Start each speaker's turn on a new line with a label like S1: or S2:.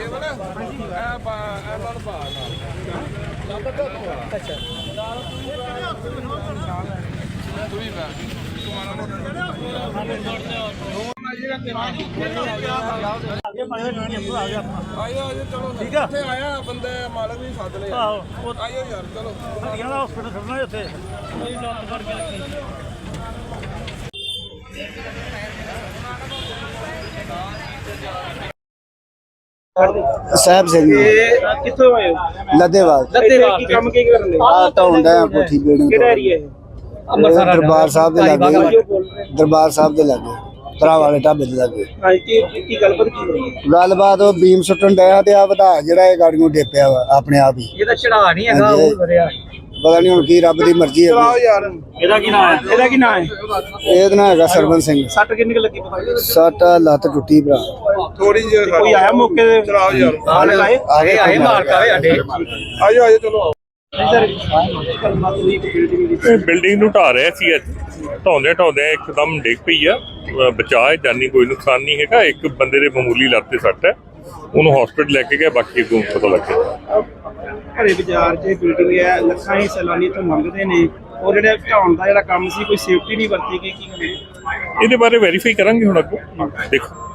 S1: ठीक है आया बंदे मालक भी सद ले आइयो यार चलो हॉस्पिटल खड़ना है उत्थे
S2: साहब सिंह
S1: कित्थों आए हो
S2: लदेवाल
S1: की काम की करन
S2: आ ढाउंदा कोठी बिल्डिंग
S1: किहड़ा एरिया है
S2: दरबार साहब दे लागे दरबार साहब दे लागे भरा वाले ढाबे दे लागे
S1: हां की गलबात की होई
S2: गलबात वो बीम सुट्टन डया ते आ वधा जेड़ा ये गाड़ी ਨੂੰ ਡੇਪਿਆ ਵਾ ਆਪਣੇ ਆਪ ਹੀ
S1: ਇਹਦਾ ਚੜਾ ਨਹੀਂ ਹੈਗਾ ਉਹ ਵਰਿਆ
S2: ਪਤਾ ਨਹੀਂ ਹੁਣ ਕੀ ਰੱਬ ਦੀ ਮਰਜ਼ੀ ਹੈ
S1: ਚਲਾਓ ਯਾਰ ਇਹਦਾ ਕੀ ਨਾਮ ਹੈ
S2: ਇਹਦਾ ਨਾਂ ਹੈਗਾ ਸਰਵਨ ਸਿੰਘ
S1: ਸੱਟ ਕਿੰਨੀ ਲੱਗੀ ਪਤਾ
S2: ਸੱਟ ਲੱਤ ਟੁੱਟੀ ਭਰਾ
S1: ਥੋੜੀ ਜਿਹੀ ਕੋਈ ਆਇਆ ਮੌਕੇ ਤੇ ਚਲਾਓ ਯਾਰ ਆਏ ਮਾਰ ਕਾਵੇ ਅੱਡੇ ਆਜੋ ਚਲੋ
S3: ਬਿਲਡਿੰਗ ਨੂੰ ਢਾ ਰਿਹਾ ਸੀ ਅੱਜ ਢਾਉਂਦੇ ਇੱਕਦਮ ਡਿੱਗ ਪਈ ਆ ਬਚਾਅ ਜਾਨੀ ਕੋਈ ਨੁਕਸਾਨ ਨਹੀਂ ਹੈਗਾ ਇੱਕ ਬੰਦੇ ਦੇ ਮਾਮੂਲੀ ਲੱਤ ਤੇ ਸੱਟ ਹੈ ਉਹਨੂੰ ਹਸਪੀਟਲ ਲੈ ਕੇ ਗਏ ਬਾਕੀ ਅੱਗੋਂ ਪਤਾ ਲੱਗਿਆ
S1: ਘਰੇ ਬਾਜ਼ਾਰ 'ਚ ਬਿਲਡਿੰਗ ਹੈ ਲੱਖਾਂ ਹੀ ਸੈਲਾਨੀ ਤੋਂ ਮੰਗਦੇ ਨੇ ਉਹ ਜਿਹੜਾ ਢਾਉਣ ਦਾ ਜਿਹੜਾ ਕੰਮ ਸੀ ਕੋਈ ਸੇਫਟੀ ਨਹੀਂ ਵਰਤੀ ਗਈ ਕੀ
S3: ਇਹਦੇ ਬਾਰੇ ਵੈਰੀਫਾਈ ਕਰਾਂਗੇ ਹੁਣ ਅੱਗੋਂ ਦੇਖੋ